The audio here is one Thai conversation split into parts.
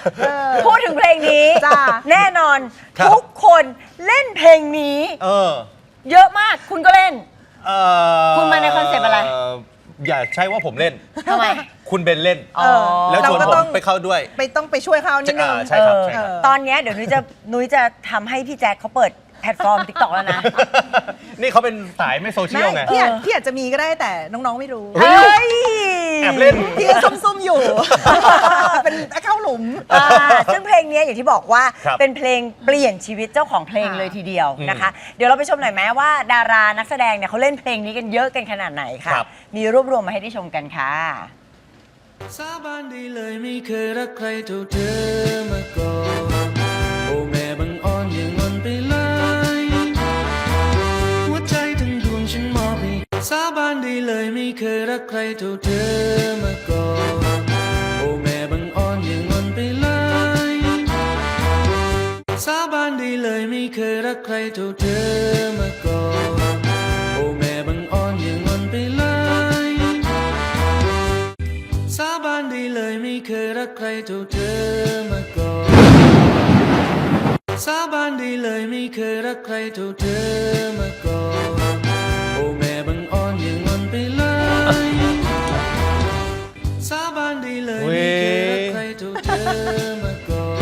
พูดถึงเพลงนี้จ้าแน่นอนครับทุกคนเล่นเพลงนี้ เยอะมากคุณก็เล่น คุณมาในคอนเซปต์อะไรอย่าใช่ว่าผมเล่นทำไมคุณเบนเล่น แล้วชวนเราก็ผต้มองไปเข้าด้วยต้องไปช่วยเขานิดนึงใช่ครับใช่ครับตอนเนี้ยเดี๋ยวนุ้ยจะทำให้พี่แจ็คเขาเปิดแพลตฟอร์ม TikTok แล้วนะนี่เขาเป็นสายไม่โซเชียลไงพี่อาจจะมีก็ได้แต่น้องๆไม่รู้เฮ้ย แอบเล่นพี่ก็ซุ่มๆอยู่ เป็นเข้าหลุมซึ่งเพลงนี้อย่างที่บอกว่าครับเป็นเพลงเปลี่ยนชีวิตเจ้าของเพลงเลยทีเดียวนะคะ เดี๋ยวเราไปชมหน่อยไหมว่าดารานักแสดงเนี่ยเขาเล่นเพลงนี้กันเยอะกันขนาดไหนค่ะครับมีรวบรวมมาให้ได้ชมกันค่ะสาบานได้เลยไม่เคยรักใครเท่าเธอมาก่อนโอ้แม่บังอ่อนอย่างงอนไปเลยหัวใจทั้งดวงฉันมอบให้สาบานได้เลยไม่เคยรักใครเท่าเธอมาก่อนโอ้แม่บังอ่อนอย่างงอนไปเลยสาบานได้เลยไม่เคยรักใครเท่าเธอมาก่อนโอ้แม่บังอ่อนอย่างงอนไปเลยสาบานได้เลยไม่เคยรักใครเท่าเธอมาก่อนสาบานได้เลยไม่เคยรักใครเท่าเธอมาก่อนโอ้แม่บังอ่อนอย่างงอนไปเลยสาบานได้เลยไม่เคยรักใครเท่าเธอมาก่อน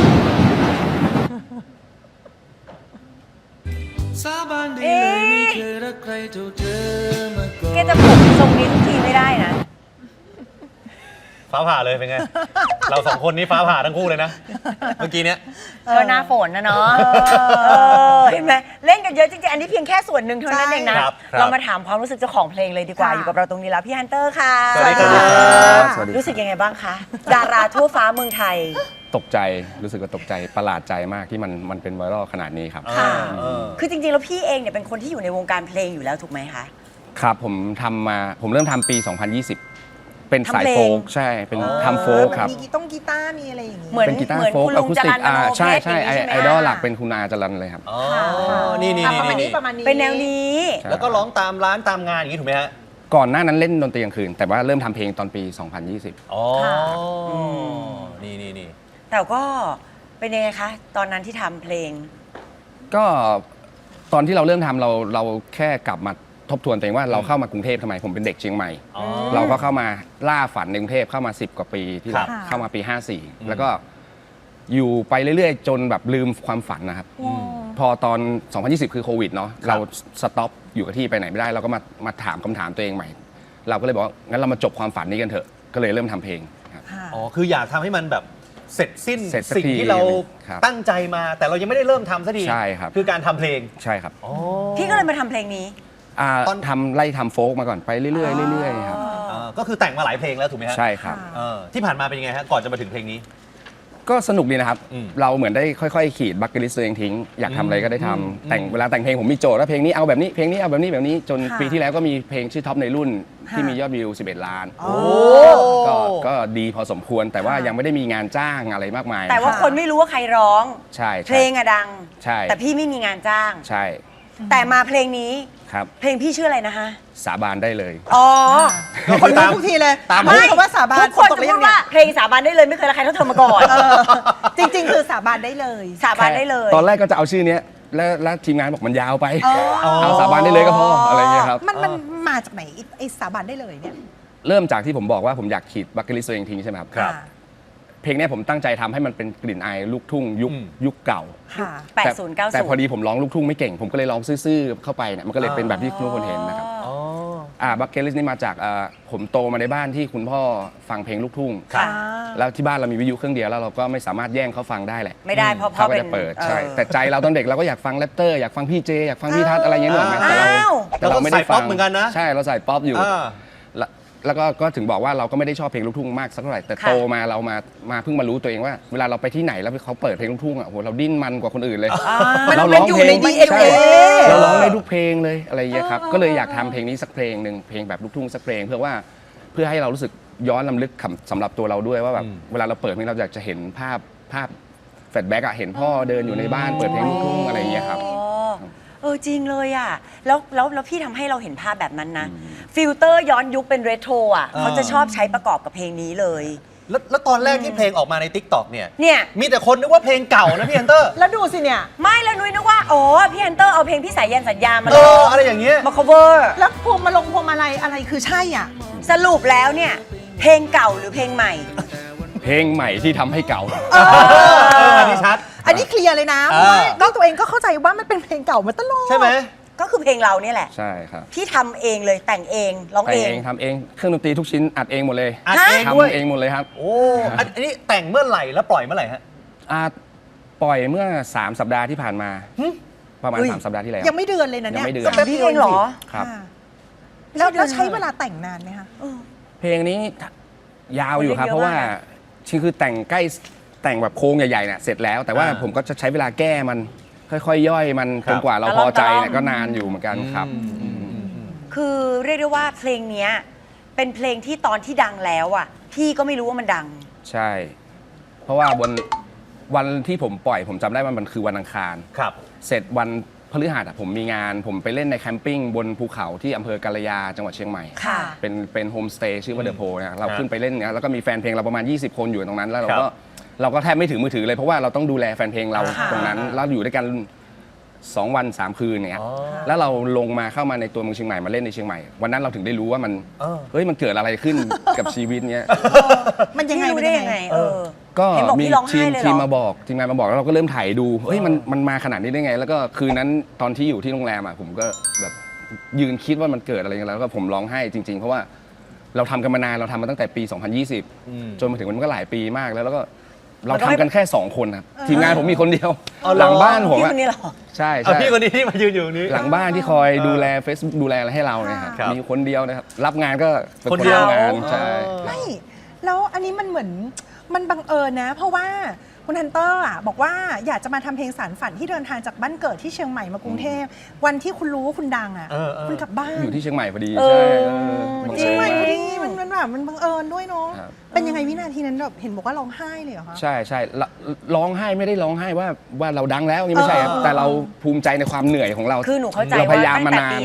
สาบานได้เลยไม่เคยรักใครเท่าเธอมาก่อนแกจะผมทรงนี้ทุกทีไม่ได้นะฟ้าผ่าเลยเป็นไง เราสองคนนี้ฟ้าผ่าทั้งคู่เลยนะ เมื่อกี้เนี้ยก็หน้าฝนนะเนาะเห็นไหมเล่นกันเยอะจริงๆ อันนี้เพียงแค่ส่วนหนึ่งเท่านั้นเองนะ เรามาถามความรู้สึกเจ้าของเพลงเลยดีกว่า อยู่กับเราตรงนี้แล้วพี่ฮันเตอร์ค่ะสวัสดีครับสวัสดีครับรู้สึกยังไงบ้างคะ ดาราทั่วฟ้าเมืองไทยตกใจรู้สึกว่าตกใจประหลาดใจมากที่มันเป็นไวรัลขนาดนี้ครับค่ะเออคือจริงๆ แล้วพี่เองเนี่ยเป็นคนที่อยู่ในวงการเพลงอยู่แล้วถูกไหมคะครับผมเริ่มทำปี 2020 เป็นสายทำเพลงโฟล์กใช่เป็นทำโฟล์กครับมีกีตาร์มีอะไรอย่างงี้เหมือนเป็นกีตาร์เหมือนโฟล์กคุณอะลุงคูสจติรักญมโนเพใช่ชรใช่อย่างนี้ใช่ไหมไอดอลหลักเป็นคุณอาจรันเลยครับอ๋อ นี่ประมาณนี้ประมาณนี้เป็นแนวนี้ใช่แล้วก็ร้องตามร้านตามงานอย่างนี้ถูกไหมฮะก่อนหน้านั้นเล่นดนตรีกลางคืน แต่ว่าเริ่มทำเพลงตอนปี 2020 อ๋อค่ะนี่แต่ก็เป็นยังไงคะ ตอนนั้นที่ทำเพลงก็ตอนที่เราเริ่มทำเราแค่กลับมาทบทวนตัวเองว่าเราเข้ามากรุงเทพทำไมผมเป็นเด็กเชียงใหม่อ๋อเราก็เข้ามาล่าฝันในกรุงเทพเข้ามา10 กว่าปีที่แล้วครับเข้ามาปี 54 แล้วก็อยู่ไปเรื่อยๆ จนแบบลืมความฝันนะครับ พอตอน 2020 คือโควิดเนาะเราสต็อปอยู่กับที่ไปไหนไม่ได้ เราก็มาถามคำถามตัวเองใหม่ เราก็เลยบอกว่างั้นเรามาจบความฝันนี้กันเถอะก็เลยเริ่มทำเพลงครับอ๋อ คืออยากทำให้มันแบบเสร็จสิ้นเสร็จสักสิ่งทีที่เราครับตั้งใจมา แต่เรายังไม่ได้เริ่มทำสักทีใช่ครับคือการทำเพลงใช่ครับอ๋อพี่ก็เลยมาทำเพลงนี้ตอนไล่ทำโฟล์กมาก่อนไปเรื่อยๆเรื่อยๆครับก็คือแต่งมาหลายเพลงแล้วถูกไหมฮะใช่ครับที่ผ่านมาเป็นยังไงฮะ ก่อนจะมาถึงเพลงนี้ก็สนุกดีนะครับอืมเราเหมือนได้ค่อยๆ ขีดบัคเก็ตลิสต์ตัวเองทิ้ง อยากทำอะไรก็ได้ทำแต่งเวลาแต่งเพลงผมมีโจทย์ว่าเพลงนี้เอาแบบนี้เพลงนี้เอาแบบนี้แบบนี้จนค่ะปีที่แล้วก็มีเพลงชื่อท็อปในรุ่นที่มียอดวิว 11 ล้านโอ้ก็ดีพอสมควรแต่ว่ายังไม่ได้มีงานจ้างอะไรมากมายแต่ว่าคนไม่รู้ว่าใครร้องใช่เพลงอะดังใช่แต่พี่ไม่มีงานจ้างใช่แต่มาเพลงนี้ครับเพลงพี่ชื่ออะไรนะคะสาบานได้เลยอ๋อคนรู้ทุกทีเลยตามไม่คำว่าสาบานทุกคนตจะไปพูยัดงเนี่ว่าย เพลงสาบานได้เลยไม่เคยรักใครเท่าเธอมาก่อนจริง ๆ คือสาบานได้เลยสาบานได้เลยตอนแรกก็จะเอาชื่อเนี้ยแล้วทีมงานบอกมันยาวไปอ๋อเอาสาบานได้เลยก็พออะไรเงี้ยครับมันมาจากไหนไอ้สาบานได้เลยเนี่ยเริ่มจากที่ผมบอกว่าผมอยากขีดบัคเก็ตลิสต์ตัวเองทิ้งใช่ไหมครับครับเพลงเนี้ยผมตั้งใจทำให้มันเป็นกลิ่นอายลูกทุ่งยุคเก่าค่ะ 80 90 แต่พอดีผมร้องลูกทุ่งไม่เก่ง ผมก็เลยร้องซื่อๆเข้าไปเนี่ยมันก็เลยเป็นแบบที่ทุกคนเห็นนะครับอ๋อบัคเก็ตลิสต์นี่มาจากผมโตมาในบ้านที่คุณพ่อฟังเพลงลูกทุ่งครับแล้วที่บ้านเรามีวิทยุเครื่องเดียวแล้วเราก็ไม่สามารถแย่งเขาฟังได้แหละไม่ได้เพราะเขาก็เป็นจะเปิดออใช่แต่ใจเราตอนเด็กเราก็อยากฟังแรปเตอร์อยากฟังพี่เจอยากฟังพี่ทัศน์อะไรอย่างเงี้ยหรอกไหมแต่เราอ้าวแต่เราไม่ได้ฟัเราก็ใส่ป๊อปเหมือนกันนะใช่เราใส่ป๊อปอยู่อ่าแล้วก็ถึงบอกว่าเราก็ไม่ได้ชอบเพลงลูกทุ่งมากสักเท่าไหร่แต่ค่ะโตมาเรามาเพิ่งมารู้ตัวเองว่าเวลาเราไปที่ไหนแล้วเขาเปิดเพลงลูกทุ่งอ่ะโหเราดิ้นมันกว่าคนอื่นเลยมันเรามันร้องอยู่เพลในง DNA ใช่เราร้องได้ทุกเพลงเลยอะไรอย่างเงี้ยครับก็เลยอยากทำเพลงนี้สักเพลงหนึ่งเพลงแบบลูกทุ่งสักเพลงเพื่อให้เรารู้สึกย้อนลำลึกสำหรับตัวเราด้วยว่าแบบเวลาเราเปิดเพลงเราอยากจะเห็นภาพแฟลชแบ็กอะเห็นพ่อเดินอยู่ในบ้านเปิดเพลงลูกทุ่งอะไรอย่างเงี้ยครับอ๋อจริงเลยอ่ะแล้วพี่ทำให้เราเห็นภาพแบบนั้นนะ ฟิลเตอร์ย้อนยุคเป็นเรโทรอ่ะเขาจะชอบใช้ประกอบกับเพลงนี้เลยแล้วตอนแรกที่เพลงออกมาใน TikTok เนี่ยเนี่ยมีแต่คนนึกว่าเพลงเก่านะพี่ฮันเตอร์แล้วดูสิเนี่ยไม่แล้วนุ้ยนึกว่าโอ้พี่ฮันเตอร์เอาเพลงพี่สายยันสัญญามาเอออะไรอย่างเงี้ยมา cover แล้วพวงมาลัยอะไรคือใช่อ่ะสรุปแล้วเนี่ยเพลงเก่าหรือเพลงใหม่เพลงใหม่ที่ทำให้เก่าอันนี้ชัดอันนี้เคลียร์เลยนะเพราะว่าก็ตัวเองก็เข้าใจว่ามันเป็นเพลงเก่ามาตลอดใช่ไหมก็คือเพลงเราเนี่ยแหละใช่ครับพี่ทำเองเลยแต่งเองร้องแต่งเองเองทำเองเครื่องดนตรีทุกชิ้นอัดเองหมดเลยอัดเองด้วยทำเองหมดเลยครับโอ้อันนี้แต่งเมื่อไหร่แล้วปล่อยเมื่อไหร่ฮะปล่อยเมื่อ 3 สัปดาห์ที่ผ่านมาหึประมาณเฮ้ย 3 สัปดาห์ที่แล้วยังไม่เดือนเลยนะยัเนี่ยงไม่เดือนก็แป๊บพี่เดียวเองเหรอครับค่ะแล้วใช้เวลาแต่งนานไหมคะเพลงนี้ยาวอยู่ครับเยอะเพราะว่ามากนะคือแต่งใกล้แต่งแบบโครงใหญ่ๆเนี่ยเสร็จแล้ว แต่ว่าอ่าผมก็จะใช้เวลาแก้มันค่อยๆย่อยมันครัจบนกว่าเราพอใจเนี่ยก็นานอยู่เหมือนกันครับคือเรียกได้ว่าเพลงเนี้ยเป็นเพลงที่ตอนที่ดังแล้วอ่ะพี่ก็ไม่รู้ว่ามันดังใช่ เพราะว่าวันที่ผมปล่อยผมจำได้ว่ามันคือวันอังคารครับเสร็จวันพฤหัสผมมีงาน ผมไปเล่นในแคมปิ้งบนภูเขาที่อำเภอกาลยาจังหวัดเชียงใหม่ค่ะเป็นโฮมสเตย์ชื่อว่าเดอะโพนะเราครับขึ้นไปเล่นเนี่ยแล้วก็มีแฟนเพลงเราประมาณ 20 คนอยู่ตรงนั้น แล้วเราครัก็บเราก็แทบไม่ถือมือถือเลยเพราะว่าเราต้องดูแลแฟนเพลงเราค่ะตรงนั้นแล้วอยู่ด้วยกัน 2 วัน 3 คืนเนี่ยอ๋อแล้วเราลงมาเข้ามาในตัวเมืองเชียงใหม่มาเล่นในเชียงใหม่วันนั้นเราถึงได้รู้ว่ามันเออเฮ้ยมันเกิดอะไรขึ้น กับชีวิตเนี้ยมันยังไงพี่รู้มันได้ยังยังไงไงเออก็เห็นบอกมีพี่ร้องไห้ทีมเลยเหรอทีมงานมาบอกแล้วเราก็เริ่มถ่ายดูเฮ้ยมันมาขนาดนี้ได้ไง แล้วก็คืนนั้นตอนที่อยู่ที่โรงแรมอ่ะผมก็แบบยืนคิดว่ามันเกิดอะไรกันแล้วก็ผมร้องไห้จริง ๆ เพราะว่าเราทำกันมานานเราทำมาตั้งแต่ปี 2020 จนมาถึงวันนี้ก็หลายปีมากแล้วก็เราทำกันแค่ 2 คนครับทีมงานผมมีคนเดียวเอาเหรอหลังบ้านผมพี่อะคนนี้เหรอใช่เอาใช่พี่คนนี้ที่มายืนอยู่ตรงนี้หลังบ้านที่คอยดูแล Facebook ดูแลอะไรให้เราเนี่ยครับครับมีคนเดียวนะครับรับงานก็เป็นคนเดียวรับงานใช่ไม่แล้วอันนี้มันเหมือนมันบังเอิญนะ เพราะว่าคุณฮันเตอร์อ่ะบอกว่าอยากจะมาทำเพลงสารฝันที่เดินทางจากบ้านเกิดที่เชียงใหม่มากรุงเทพวันที่คุณรู้ว่าคุณดังอ่ะเออคุณกลับบ้านอยู่ที่เชียงใหม่พอดีเออใช่บังเชียงใหม่เอิญพอดีมันแบบมันบังเอิญด้วยเนาะครับเป็นยังไงวินาทีนั้นแบบเห็นบอกว่าร้องไห้เลยเหรอคะใช่ใช่ร้องไห้ไม่ได้ร้องไห้ว่าเราดังแล้วนี่ไม่ใช่ครับเออแต่เราภูมิใจในความเหนื่อยของเราคือหนูเข้าใจเราพว่ายายามตั้งมาแต่นานปี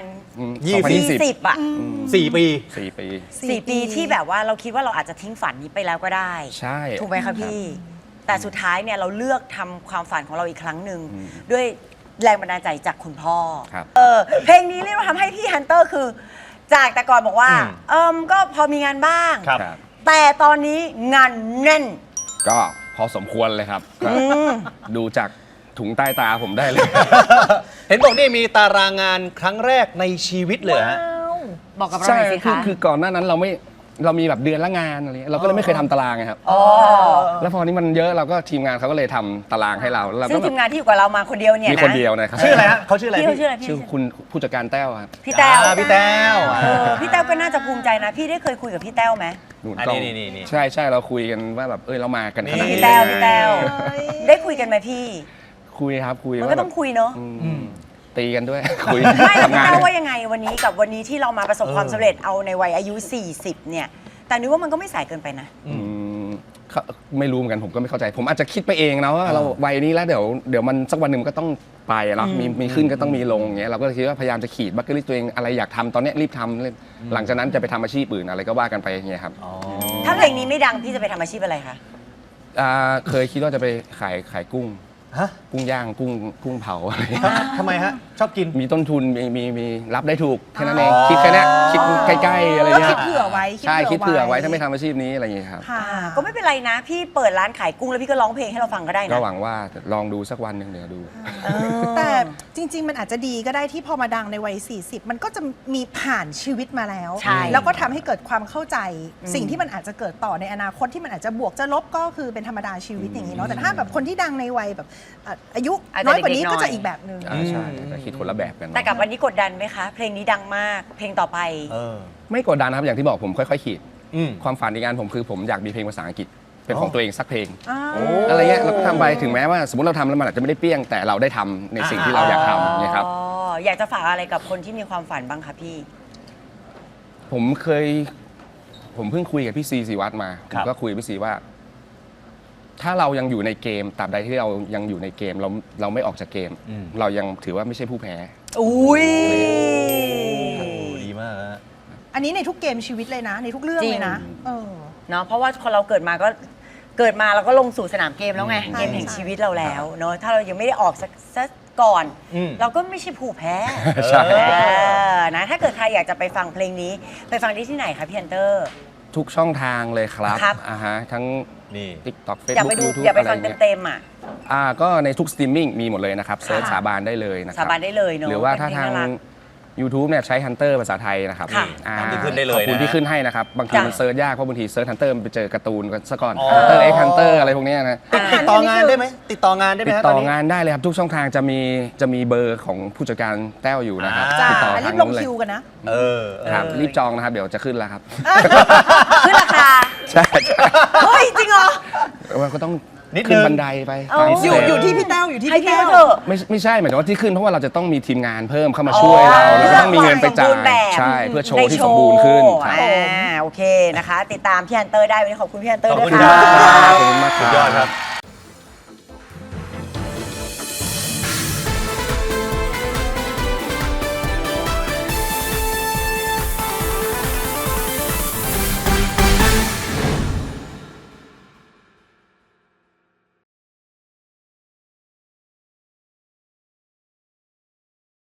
2020 2020 อ่ะ 4 ปี 4 ปี 4 ปีที่แบบว่าเราคิดว่าเราอาจจะทิ้งฝันนี้ไปแล้วก็ได้ใช่ถูกไหมคะพี่ แต่สุดท้ายเนี่ยเราเลือกทำความฝันของเราอีกครั้งหนึ่งด้วยแรงบันดาลใจจากคุณพ่อครับเพลงนี้เรียกว่าทำให้พี่ฮันเตอร์คือ จากแต่ก่อนบอกว่า ก็พอมีงานบ้างครับครับแต่ตอนนี้งานแน่นก็พอสมควรเลยครับก็ดูจากถุงใต้ตาผมได้เลยเห็นบอกนี่มีตารางงานครั้งแรกในชีวิตเลยฮะบอกกับเราใช่หน่อยสิคะคือก่อนหน้านั้นเรามีแบบเดือนละงานอะไรเงี้ยเราก็เลยไม่เคยทำตารางไงครับอ๋อแล้วพอนี้มันเยอะเราก็ทีมงานเขาก็เลยทำตารางให้เราแล้วเราซึ่ก็งแบทีบมงานที่อยู่กับเรามาคนเดียวเนี่ยมีนะคนเดียวนะครับชื่ออะไรฮะเขาชื่ออะไรพี่เขาชื่ออะไรพี่ชื่อคุณผู้จัดการแต้วครับพี่แต้วพี่แต้วพี่แต้วก็น่าจะภูมิใจนะ พี่ได้เคยคุยกับพี่แต้วไหมนู่นอันกล้นี้องนี่ใช่ใช่เราคุยกันว่าแบบเรามากันขนาดพี่นี้แต้วได้พี่ไงแต้วเฮ้ยได้คุยกันไหมพี่คุยครับคุยมันว่าก็แบต้อบ งคุยเนาะตีกันด้วย คุยไม่แล้วพี่ทำงานแต้วด้วยว่ายังไงวันนี้กับวันนี้ที่เรามาประสบความสำเร็จเอาในวัยอายุ 40 เนี่ย แต่นึกว่ามันก็ไม่สายเกินไปนะเขาไม่รู้เหมือนกันผมก็ไม่เข้าใจ ผมอาจจะคิดไปเองนะว่าเราวัยนี้แล้วเดี๋ยวมันสักวันหนึ่งมันก็ต้องไปเนาะมีขึ้นก็ต้องมีลงอย่างเงี้ยเราก็เลยคิดว่าพยายามจะขีดบัคเก็ตลิสต์ตัวเองอะไรอยากทำตอนเนี้ยรีบทำหลังจากนั้นจะไปทำอาชีพอื่นอะไรก็ว่ากันไปอย่างเงี้ยครับถ้าเพลงนี้ไม่ดังพี่จะไปทำอาชีพอะไรคะเคยคิดว่าจะไปขายกุ้งฮะกุ้งย่างกุ้งเผาอะไรอย่างเงี้ยทำไมฮะ ชอบกินมีต้นทุนมีรับได้ถูกแค่นั้นเองคิดแค่เนี้ยคิดใกล้ๆอะไรก็เงี้คิยดเผื่อไว้ใช่คิดเผื่อไว้ถ้าไม่ทำอาชีพนี้อะไรอย่างเงี้ยครับค่ะก็ไม่เป็นไรนะ พี่เปิดร้านขายกุ้งแล้วพี่ก็ร้องเพลงให้เราฟังก็ได้ก็นะหวังว่าลองดูสักวันหนึ่งเดี๋ยวดูแต่จริง ๆ มันอาจจะดีก็ได้ที่พอมาดังในวัย 40 มันก็จะมีผ่านชีวิตมาแล้วใช่แล้วก็ทำให้เกิดความเข้าใจ สิ่งที่มันอาจจะเกิดต่อในอนาคตที่มันอาจจะบวกจะลบก็คือเป็นธรรมดาชีวิตอย่างนี้เนาะแต่ถ้าแบบคนที่ดังในวัยแบบอายุน้อยกว่านี้ก็จะอีกแบบหนึ่งใช่แต่คิดคนละแบบกันแต่กับวันนี้กดดันไหมคะ เพลงนี้ดังมาก เพลงต่อไปไม่กดดันนะครับอย่างที่บอกผมค่อยๆขีดอืมความฝันในงานผมคือผมอยากมีเพลงภาษาอังกฤษเป็นของตัวเองสักเพลงอ่าอะไรเงี้ยเราก็ทำไปถึงแม้ว่าสมมติเราทำแล้วมันอาจจะไม่ได้เปี้ยงแต่เราได้ทำในสิ่งที่เราอยากทำเนี่ยครับอ๋อ อยากจะฝากอะไรกับคนที่มีความฝันบ้างคะพี่ผมเพิ่งคุยกับพี่ซีศิวัตรมาผครัมบก็คุยกับพี่ซีว่า ถ้าเรายังอยู่ในเกมตราบใดที่เรายังอยู่ในเกมเราไม่ออกจากเกม เรายังถือว่าไม่ใช่ผู้แพ้อุ้ยดีมากฮะอันนี้ในทุกเกมชีวิตเลยนะ ในทุกเรื่องเลยนะจริงเออเนาะเพราะว่าคนเราเกิดมาเราก็ลงสู่สนามเกมแล้วไง เกมแห่งชีวิตเราแล้วเนาะถ้าเรายังไม่ได้ออกสักก่อน เราก็ไม่ใช่ผู้แพ้ใช่นะถ้าเกิดใครอยากจะไปฟังเพลงนี้ไปฟังได้ที่ไหนคะพี่ฮันเตอร์ทุกช่องทางเลยครับครับทั้งนี่ TikTok อยากไป Facebook ดู YouTube อยากไปอะไรฟังเงี้ยเต็มๆอ่ะก็ในทุกสตรีมมิ่งมีหมดเลยนะครับเซิร์ชสาบานได้เลยนะครับสาบานได้เลยเนอะหรือว่าถ้าเป็นเพลงทางน่ารัก YouTube เนี่ยใช้ Hunter ภาษาไทยนะครับค่ะอ่าตามที่ขึ้นได้เลยขอบคุณนะที่ขึ้นให้นะครับ บางทีจ้ะมันเซิร์ชยากเพราะบางทีเซิร์ช Hunter มันไปเจอการ์ตูนกันซะก่อนอ๋อ Hunter X Hunter อะไรพวกเนี้ยนะติดต่องานได้ไหมติดต่องานได้ไหมติดฮะต่ตออนนี้งานได้เลยครับ ทุกช่องทางจะมีเบอร์ของผู้จัดการแต้วอยู่นะครับอ่าจ้าติดต่อรีทางบลงนู้นเลยคิวกันนะเออครับรีบจองนะครับ เดี๋ยวจะขึ้นแล้วครับขึ้นราคาใช่ใช่เฮ้ย จริงเหรอว่าก็ต้องนิดนึงขึ้นบันไดไปเอาตามสอยู่เต็ปอยู่ที่พี่แต้วอยู่ที่ให้พี่พี่แต้วเขาเถอะไม่ใช่หมายถึงว่าที่ขึ้นเพราะว่าเราจะต้องมีทีมงานเพิ่มเข้ามาช่วยเราแล้วก็ต้องมีเงินไปจ่าสมบูยรณ์แบบใช่เพื่อโชว์ที่สมบูรณ์ขึ้นครับโอเคนะคะ ติดตามพี่ฮันเตอร์ได้วันนี้ขอบคุณพี่ฮันเตอร์ขอบด้วยคุณค่ะครับขอบคุณมากครับสุดยอดครับ